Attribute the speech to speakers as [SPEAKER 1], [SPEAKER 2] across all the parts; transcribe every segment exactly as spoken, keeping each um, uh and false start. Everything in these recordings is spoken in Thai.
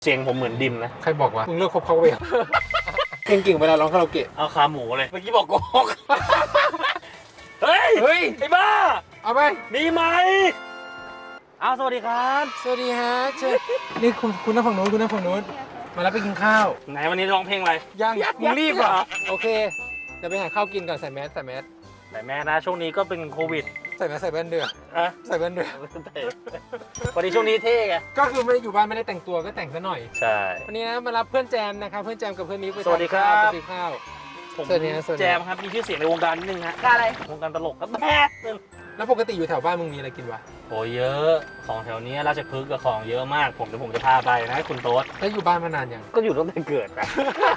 [SPEAKER 1] เสียงผมเหมือนดิมนะ
[SPEAKER 2] ใครบอกว่ามึงเลิกคบเขาไปเก่งเก่งเวลาร้องคาราโอเกะ
[SPEAKER 1] เอาขาหมูเลยเมื่อกี้บอกโกหกเฮ้ย
[SPEAKER 2] เฮ้ย
[SPEAKER 1] ไอ้บ้า
[SPEAKER 2] เอาไป
[SPEAKER 1] มีไหมอ้าวสวัสดีครับ
[SPEAKER 2] สวัสดีฮะเชิญนี่คุณคุณนั่งฝั่งโน้นคุณนั่งฝั่งโน้นมาแล้วไปกินข้าว
[SPEAKER 1] ไหนวันนี้ร้องเพลงอะไร
[SPEAKER 2] ยังมึงรีบเหรอโอเคเดี๋ยวไปหาข้าวกินก่อนใส่แมสใส่แมส
[SPEAKER 1] แต่แม่นะช่วงนี้ก็เป็นโควิด
[SPEAKER 2] ใส่แมสใส่แว่นเดือ
[SPEAKER 1] อะ
[SPEAKER 2] ใส่แว่นเดือ
[SPEAKER 1] วันนี้ช่วงนี้เท่ไง
[SPEAKER 2] ก็คือไม่ได้อยู่บ้านไม่ได้แต่งตัวก็แต่งซะหน่อย
[SPEAKER 1] ใช่
[SPEAKER 2] วันนี้นะมารับเพื่อนแจมนะครับเพื่อนแจมกับเพื่อนนี้ไป
[SPEAKER 1] สวัสดีครับ
[SPEAKER 2] ไปซื้อข้าว
[SPEAKER 1] ผมแจมครับมีชื่อเสียงในวงการนิดนึงฮะ
[SPEAKER 3] อะไร
[SPEAKER 1] วงการตลกครับแม่
[SPEAKER 2] แล้วปกติอยู่แถวบ้านมึงมีอะไรกินวะ
[SPEAKER 1] โอ้เยอะของแถวนี้ราชพฤกษ์กับของเยอะมากผมเดี๋ยวผมจะพาไปนะคุณโต๊ด
[SPEAKER 2] แล้วอยู่บ้านมานานยัง
[SPEAKER 1] ก็อยู่ตั้งแต่เกิดอะ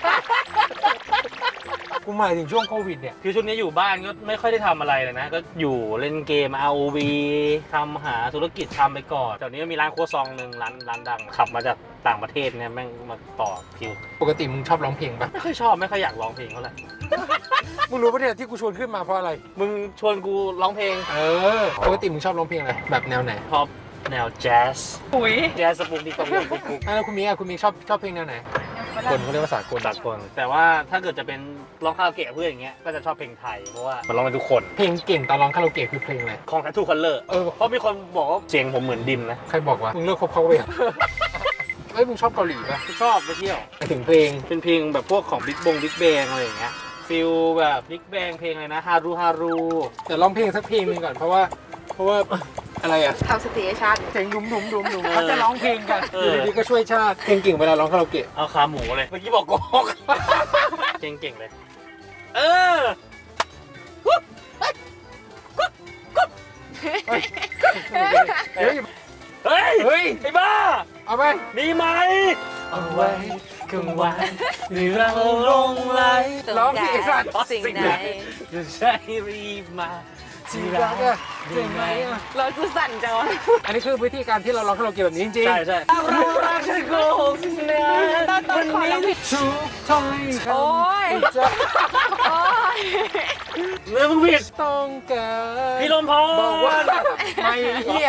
[SPEAKER 2] กูหมายถึงช่วงโควิดเนี่ย
[SPEAKER 1] คือช่วงนี้อยู่บ้านก็ไม่ค่อยได้ทำอะไรเลยนะก็อยู่เล่นเกม อาร์ โอ วี ทำหาธุรกิจทำไปก่อนแถวนี้มีร้านครัวซองหนึ่งร้านร้านดังขับมาจากต่างประเทศเนี่ยแม่งมาต่อคิว
[SPEAKER 2] ปกติมึงชอบร้องเพลงปะ
[SPEAKER 1] ไม่ค่อยชอบไม่ค่อยอยากร้องเพลงเท่าไหร่
[SPEAKER 2] มึงรู้ปะเนี่ยที่กูชวนขึ้นมาเพราะอะไร
[SPEAKER 1] มึงชวนกูร้องเพลง
[SPEAKER 2] เออปกติมึงชอบร้องเพลงอะไรแบบแนวไหน
[SPEAKER 1] ชอบแนวแจ๊ส
[SPEAKER 3] ปุ๋ย
[SPEAKER 1] แจ๊สสปุกดิกสปุกดิก
[SPEAKER 2] แล้วคุณมีอ่ะคุณมีชอบชอบเพลงแนวไหนคนเขาเรียกว่าสากล
[SPEAKER 1] สากลแต่ว่าถ้าเกิดจะเป็นร้องคาราโอเกะเพื่อนอย่างเงี้ยก็จะชอบเพลงไทยเพราะว่ามันร้องได้ทุกคน
[SPEAKER 2] เพลงเก่งตอนร้องคาราโอเกะคือเพลงอะไร
[SPEAKER 1] ของ Tattoo Color เออเพราะมีคนบอกว่าเสียงผมเหมือนดิมนะ
[SPEAKER 2] ใครบอกว่ามึงเลิกคบเขาไปเฮ้ยมึงชอบเกาหลีป่ะ
[SPEAKER 1] ชอบไปเที่ยว
[SPEAKER 2] ถึงเพลง
[SPEAKER 1] เป็นเพลงแบบพวกของบิ๊กบงบิ๊กแบงอะไรอย่างเงี้ยฟิลแบบบิ๊กแบงเพลงอะไรนะฮารุฮารุ
[SPEAKER 2] แต่ร้องเพลงสักเพลงนึงก่อนเพราะว่าเพราะว่าอะไรอ่ะ
[SPEAKER 3] ทำสติให้ชาติ
[SPEAKER 2] เพลงดุมดุมดุมดุมเขาจะร้องเพลงกันอยู่ดีๆก็ช่วยชาติเพลงเก่งเวลาร้องคาราโอเกะ
[SPEAKER 1] เอาขาหมูเลยเมื่อกี้บอกโกหกเพลงเก่งเลยเออ
[SPEAKER 2] เฮ้ย
[SPEAKER 1] เฮ้ยเฮ้ยไอ้บ้า
[SPEAKER 2] เอาไป
[SPEAKER 1] มีไหม
[SPEAKER 2] เอาไว้กลางวันมีเราลงไหลร้องสิไอ้สัตว์
[SPEAKER 3] สิ่งไหน
[SPEAKER 1] จะใช่รีบมา
[SPEAKER 2] ที่รักอะจริงไหมอะ
[SPEAKER 3] รถกูสั่นจังวะ
[SPEAKER 2] อันนี้คือวิธีการที่เราร้องคาราโอเกะแบบนี้จริง
[SPEAKER 1] ใช่ใช่
[SPEAKER 3] เรารักฉันโกหกนะวันนี้
[SPEAKER 2] ทุกท้อยคำ
[SPEAKER 3] โอ้ยโอ้ย
[SPEAKER 1] เมื่อมึงผิด
[SPEAKER 2] ต้องการ
[SPEAKER 1] พี่ลมพร
[SPEAKER 2] บอกว่าไม่เหี้ย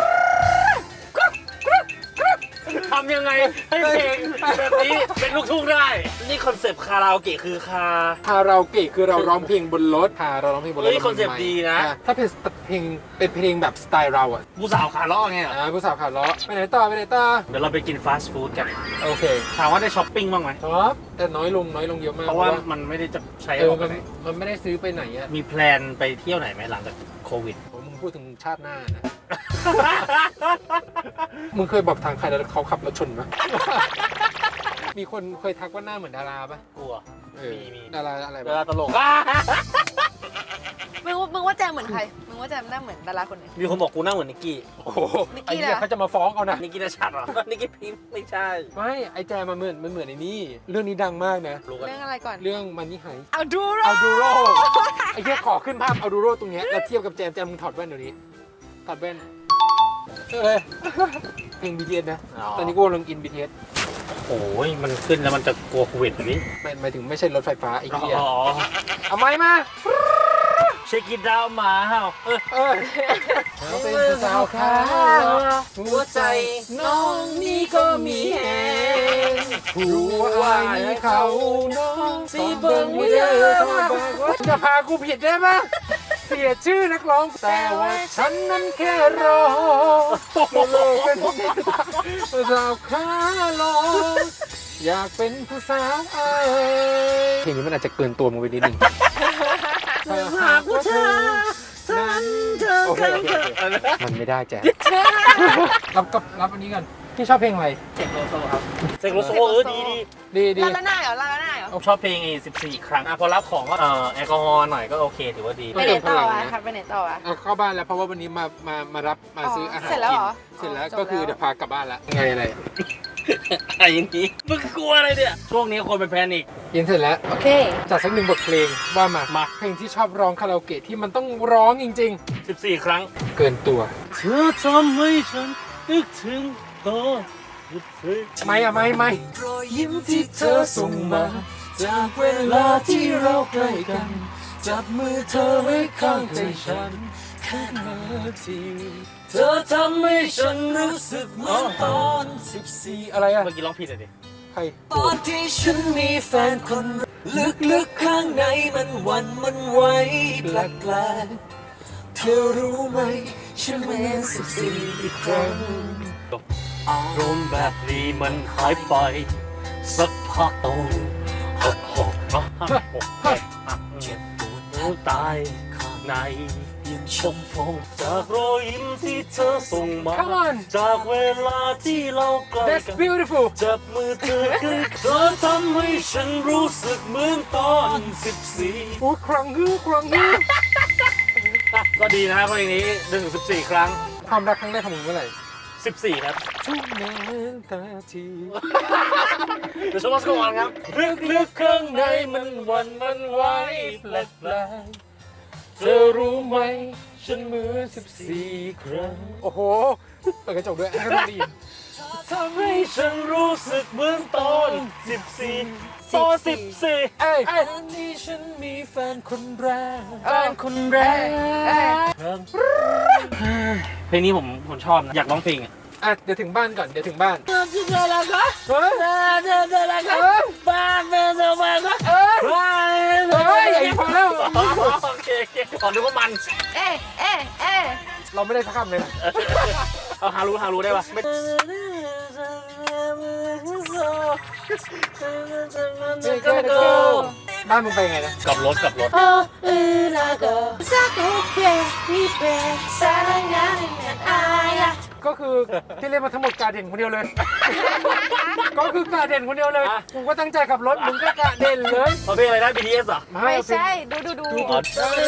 [SPEAKER 1] ทำยังไงให้เพลงแบบนี้เป็นลูกทุ่งได้นี่คอนเซปต์คาราโอเกะคือคา
[SPEAKER 2] คาราโอเกะคือเราร้องเพลงบนรถค่ะเราร้องเพลงบนรถ
[SPEAKER 1] นี่คอนเซปต์ดีนะ
[SPEAKER 2] ถ้าเป็นเพลงเป็นเพลงแบบสไตล์เราอ่ะ
[SPEAKER 1] ผู้สาวขาล้อไง
[SPEAKER 2] อ่าผู้สาวขาล้อไปไหนต่อไปไหนต่อ
[SPEAKER 1] เดี๋ยวเราไปกินฟาสต์ฟู้ดกัน
[SPEAKER 2] โอเค
[SPEAKER 1] ถามว่าได้ช้อปปิ้งบ้างไหม
[SPEAKER 2] ช้อปแต่น้อยลงน้อยลงเยอะมาก
[SPEAKER 1] เพราะว่ามันไม่ได้จะใช้
[SPEAKER 2] เออมันมันไม่ได้ซื้อไปไหนอ่ะ
[SPEAKER 1] มีแพลนไปเที่ยวไหนไหมหลังจากโควิด
[SPEAKER 2] มึงพูดถึงชาติหน้านะมึงเคยบอกทางใครแล้วเขาขับรถชนปะมีคนเคยทักว่าหน้าเหมือนดาราปะ
[SPEAKER 1] กลัว
[SPEAKER 2] มีมีดาราอะไร
[SPEAKER 1] ดาราตลก
[SPEAKER 3] มึงมึงว่าแจมเหมือนใครมึงว่าแจมหน้าเหมือนดาราคนไหน
[SPEAKER 1] มีคนบอกกูหน้าเหมือนนิกกี้
[SPEAKER 2] โอ้โหไอ้เนี่ยเขาจะมาฟ้องเอานะ
[SPEAKER 1] นิกกี้น่าชัดหรอนิกกี้พิมพ์ไม่ใช่
[SPEAKER 2] ไม่ไอ้แจมมันเหมือนมันเหมือนไอ้นี่เรื่องนี้ดังมากนะ
[SPEAKER 3] เรื่องอะไรก่อน
[SPEAKER 2] เรื่องมันนี่หาย
[SPEAKER 3] เอาดูโร
[SPEAKER 2] เอาดูโรไอ้เหี้ยขอขึ้นภาพเอาดูโรตรงเนี้ยแล้วเทียบกับแจมแจมมึงถอดแว่นเดี๋ยวนี้ถอดแว่นเอ้ยเพลง บี ที เอส นะตอนนี้กูกำลังอิน บี ที เอส
[SPEAKER 1] โอ้ยมันขึ้นแล้วมันจะกลัวโควิดแบบนี้
[SPEAKER 2] ไม่หมายถึงไม่ใช่รถไฟฟ้าไอ้เหี้ยเอาไม้มา
[SPEAKER 1] เช็คกินดาวมาเฮ้าเออ
[SPEAKER 2] เออเป็นสาวขาวหัวใจน้องนี่ก็มีแหงหัวใจเขาน้องสีเบิ้งไม่ได้จะพากูผิดได้ไหมเสียชื่อนักร้องแต่ว่าฉันนั้นแค่รอเป็นผู้สาวขาลองอยากเป็นผู้สาวเอ้ยเพลงนี้มันอาจจะเกินตัวมึงไปนิดนึงหากว่าเธอฉันเธอมันไม่ได้แจ๊รับกับรับอันนี้กันพี่ชอบเพลงอะไร
[SPEAKER 1] เซกโลโซครับเซกโลโซเออดีดี
[SPEAKER 2] ดีดี
[SPEAKER 3] ลาลาหน้าเหรอลาลาหน้าเหรอ
[SPEAKER 1] ชอบเพลงอีสิบสี่ครั้งอ่ะพอรับของก็เอ่อแอลกอฮอล์หน่อยก็โอเคถือว่าดี
[SPEAKER 3] ไปไหนต่ออ่ะครับไปไหนต่ออ่ะ
[SPEAKER 2] เข้าบ้านแล้วเพราะว่าวันนี้มามามารับมาซื้ออาหาร
[SPEAKER 3] เสร็จแล้วเหรอ
[SPEAKER 2] เสร็จแล้วก็คือเดี๋ยวพากลับบ้านละไงอะไร
[SPEAKER 1] อะไรอย่างนี้มึงกลัวอะไรเนี่ยช่วงนี้คนเป็นแพนิค
[SPEAKER 2] ยินเสร็จแล้ว
[SPEAKER 3] โอเค
[SPEAKER 2] จัดสักหนึ่งบทเพลงว่ามา
[SPEAKER 1] มา
[SPEAKER 2] เพลงที่ชอบร้องคาราโอเกะที่มันต้องร้องจริง
[SPEAKER 1] ๆสิบสี่ครั้ง
[SPEAKER 2] เกินตัว
[SPEAKER 1] เธอทำให้ฉันนึกถึงตอน
[SPEAKER 2] ไม่อะไม่ไม่รอยยิ้มที่เธอส่งมาจากเวลาที่เราใกล้กันจับมือเธอไว้ข้างใจฉันแค่นาทีเธเธอทำให้ฉันรู้สึกเหมือนตอนสิบสี่อะไรอะ
[SPEAKER 1] เมื่อกี้ร้องผิดเลยดิ
[SPEAKER 2] ใคร
[SPEAKER 4] ตอนที่ฉันมีแฟนคนลึกๆข้างในมันหวันมันไหวแปลกๆเธอรู้ไหมฉันเหมือนสิบสี่อีกครั้ง
[SPEAKER 1] อารมณ์แบบนี้มันหายไป สักพักโตหกหกหกหกหกเจ็บปวดหัวตายข้างในยังชมพงจากรอยยิ้มที่เธอส่งมา
[SPEAKER 2] Come on
[SPEAKER 1] จากเวลาที่เราใกล้
[SPEAKER 2] That's
[SPEAKER 1] กัน
[SPEAKER 2] beautiful
[SPEAKER 1] จับมือเธอคือเธอทำให้ฉันรู้สึกเหมือนตอนสิบสี่
[SPEAKER 2] โอ้ครั้งฮือครั้งฮือ
[SPEAKER 1] ก็ดีนะครับเพลงนี้หนึ่งถึงสิบสี่ครั้ง
[SPEAKER 2] ความรักครั้งแรกของมึงเมื่อไหร่
[SPEAKER 1] สิบสี่ครับ
[SPEAKER 2] ทุกนาที
[SPEAKER 1] เดี๋ยวชมว่าสกอร์ครับลึกๆข้างในมันหวันมันไหวแปลก
[SPEAKER 2] เธอรู้ไหมฉันเหมือนสิบสี่ครั้งโอ้โหเปิดกระจกด้วยให้เราได้ยิน
[SPEAKER 1] ๆทำให้ฉันรู้สึกเหมือนตอนสิบสี่ตอนสิบสี่
[SPEAKER 2] เอ้ย
[SPEAKER 4] ตอนที่ฉันมีแฟนคนแรก
[SPEAKER 2] แฟนคนแรก
[SPEAKER 1] เพลงนี้ผมผมชอบนะอยากร้องเพลงอ่ะ
[SPEAKER 2] อ่ะเดี๋ยวถึงบ้านก่อนเดี๋ยวถึงบ้าน
[SPEAKER 3] เจอแล้วก็
[SPEAKER 2] เฮ้ย
[SPEAKER 3] เจอเจอเจอแล้วก็บ้านเป็นสบายก็
[SPEAKER 2] เอ้ย
[SPEAKER 3] บ้าน
[SPEAKER 2] เฮ้ยไอ้พอแล้ว
[SPEAKER 1] โอเคโอเคขอนึกว่ามัน
[SPEAKER 3] เอ๊ะเอ๊ะเอ๊ะ
[SPEAKER 2] เราไม่ได้สักคำเลยนะ
[SPEAKER 1] เอาฮารู้ฮารู้ได้ปะไม่
[SPEAKER 2] บ้านมึงไปไงนะ
[SPEAKER 1] กลับรถกลับรถ
[SPEAKER 3] โอ้อือละก็สักทุกเพลงมีเพลงสารงานงานอายะ
[SPEAKER 2] ก็คือที่เล่นมาทั้งหมดกาเด่นคนเดียวเลย ก็คือกาเด่นคนเดียวเลยกูก็ตั้งใจขับรถมึงก็กาเด่นเลย
[SPEAKER 1] เอาเพลงอะไรนะ บี ที เอส อ่ะ
[SPEAKER 3] ไม่ใช่ดูดูดู
[SPEAKER 1] อ๋อ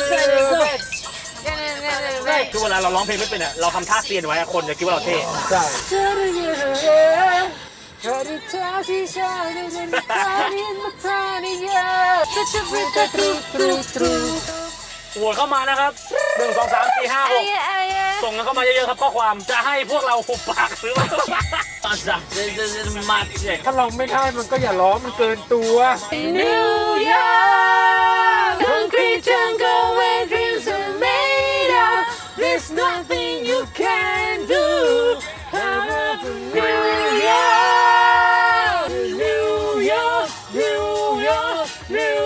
[SPEAKER 3] เนี่ยเนี่ยเนี่ยเนี่ย
[SPEAKER 1] คือเวลาเราร้องเพลงไม่เป็นอ่ะเราทำท่าเซียนไว้อะคนจะคิดว่าเราเท่
[SPEAKER 2] ใช่
[SPEAKER 3] เธอรู้ยังไง
[SPEAKER 2] เธอที่เธอที่ฉันได้ยินเธอที่มาเธอนี่เยอะ
[SPEAKER 3] จะจะเป็นจะตรูตรูตรู
[SPEAKER 1] โหวตเข้ามานะครับหนึ่งสองสามสี่ห้าห
[SPEAKER 3] ไอ้
[SPEAKER 1] ก
[SPEAKER 3] ไอ้
[SPEAKER 1] ส่งกันเข้ามาเยอะๆครับข้อความจะให้พวกเราหุบปากหรือว่าตอนจับจะจะจะมาเสียง
[SPEAKER 2] ถ้าเราไม่ได้มันก็อย่าร้องมันเกินตัว
[SPEAKER 3] นิวยอร์ก concrete jungle where dreams are made of there's nothing you can do I'm up in New York New York New York New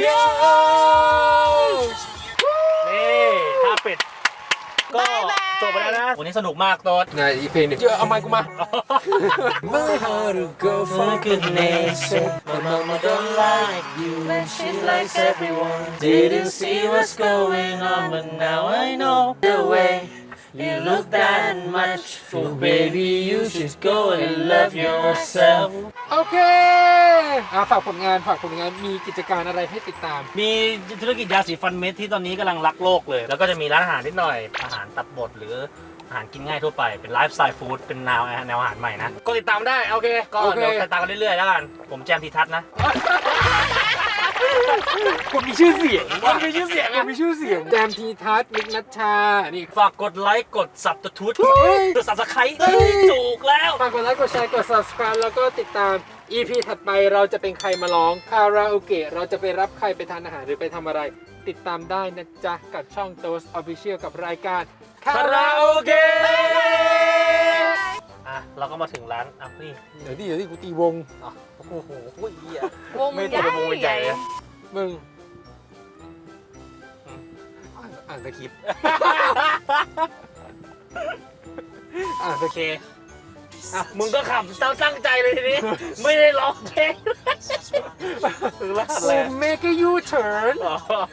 [SPEAKER 3] York
[SPEAKER 1] นี่ท่าปิดก็จบไปแล้วนะ วันนี้สนุกมากโต๊ด
[SPEAKER 2] ไหนอีกเพลงหนึ่งเยอะเอาไมค์กูมา
[SPEAKER 4] My heart will go for goodness sake My mama don't like you and she likes everyone Didn't see what's going on but now I know the way You look that much So baby you should go and love yourself
[SPEAKER 2] โอเคอ่ะฝากผลงานฝากผลงานมีกิจการอะไรให้ติดตาม
[SPEAKER 1] มีธุรกิจยาสีฟันเม็ดที่ตอนนี้กำลังรักโลกเลย แล้วก็จะมีร้านอาหารนิดหน่อย อาหารตับบดหรืออาหารกินง่ายทั่วไป เป็นไลฟ์สไตล์ฟู้ด เป็นแนวแนวอาหารใหม่นะ ก็ติดตามได้ โอเค ก็
[SPEAKER 2] โอเค
[SPEAKER 1] เดี๋ยวติดตามกันเรื่อยๆแล้วกัน ผมแจมทีทัศน์นะ
[SPEAKER 2] คนมีชื่อเสียง
[SPEAKER 1] คนมีชื่อเสียง
[SPEAKER 2] ค
[SPEAKER 1] อะ
[SPEAKER 2] นมีชื่อเสียงแจมทีทัศน์มิกนัชชา นี่
[SPEAKER 1] ฝากกดไลค์กดสับตะทุด
[SPEAKER 2] เฮ้ย
[SPEAKER 1] กดสับสไครต์ถูกแล้ว
[SPEAKER 2] ฝากกดไลค์กดแชร์กด subscribe แล้วก็ติดตาม อี พี ถัดไปเราจะเป็นใครมาร้องคาราโอเกะเราจะไปรับใครไปทานอาหารหรือไปทำอะไร ติดตามได้นะจ๊ะ กับช่อง Toast Official กับรายการคา
[SPEAKER 1] คา
[SPEAKER 2] รา
[SPEAKER 1] รา
[SPEAKER 2] โอ
[SPEAKER 1] โอ
[SPEAKER 2] เกะ
[SPEAKER 1] เกะอ่ะ เราก็มาถึงร้าน อ่ะนี่
[SPEAKER 2] เดี๋ยวดิเดี๋ยวดิกูตีวง
[SPEAKER 1] อ๋อโอ้โหเหี้ยว
[SPEAKER 3] ง
[SPEAKER 1] ไม่
[SPEAKER 3] ให
[SPEAKER 1] แต่
[SPEAKER 3] ญ่
[SPEAKER 1] เป็นวงใหญ่เลย
[SPEAKER 2] มึงอ่านอ่านสคริปต์ อ่านส
[SPEAKER 1] โอ
[SPEAKER 2] ค
[SPEAKER 1] เค
[SPEAKER 2] ริปต์
[SPEAKER 1] อ่ะ มึงก็ขับตั้งตั้งใจเลยทีนี้ ไม่ได้ร้องเพลงหรือว่าอะไร
[SPEAKER 2] เมกยูเทิร์น
[SPEAKER 1] อ๋อ